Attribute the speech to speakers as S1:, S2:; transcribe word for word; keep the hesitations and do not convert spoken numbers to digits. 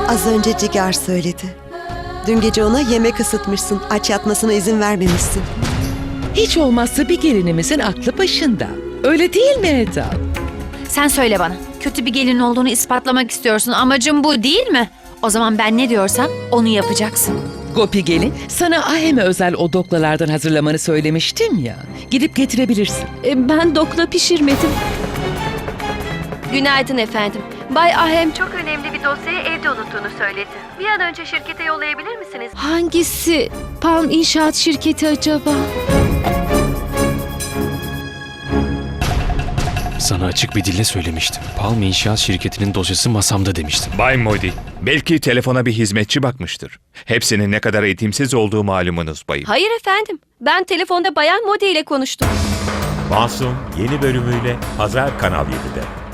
S1: Az önce Cigar söyledi. Dün gece ona yemek ısıtmışsın. Aç yatmasına izin vermemişsin.
S2: Hiç olmazsa bir gelinimizin aklı başında. Öyle değil mi Eda?
S3: Sen söyle bana. Kötü bir gelin olduğunu ispatlamak istiyorsun. Amacın bu değil mi? O zaman ben ne diyorsam onu yapacaksın.
S2: Gopi gelin, sana Ahem'e özel o doklalardan hazırlamanı söylemiştim ya. Gidip getirebilirsin.
S4: E, Ben dokla pişirmedim.
S5: Günaydın efendim. Bay Ahem çok önemli bir dosyayı evde unuttuğunu söyledi. Bir an önce şirkete yollayabilir misiniz?
S4: Hangisi Palm İnşaat Şirketi acaba?
S6: Sana açık bir dille söylemiştim. Palm İnşaat Şirketi'nin dosyası masamda demiştim.
S7: Bay Modi, belki telefona bir hizmetçi bakmıştır. Hepsinin ne kadar eğitimsiz olduğu malumunuz bayım.
S5: Hayır efendim. Ben telefonda Bayan Modi ile konuştum.
S8: Masum yeni bölümüyle Pazar Kanal yedide.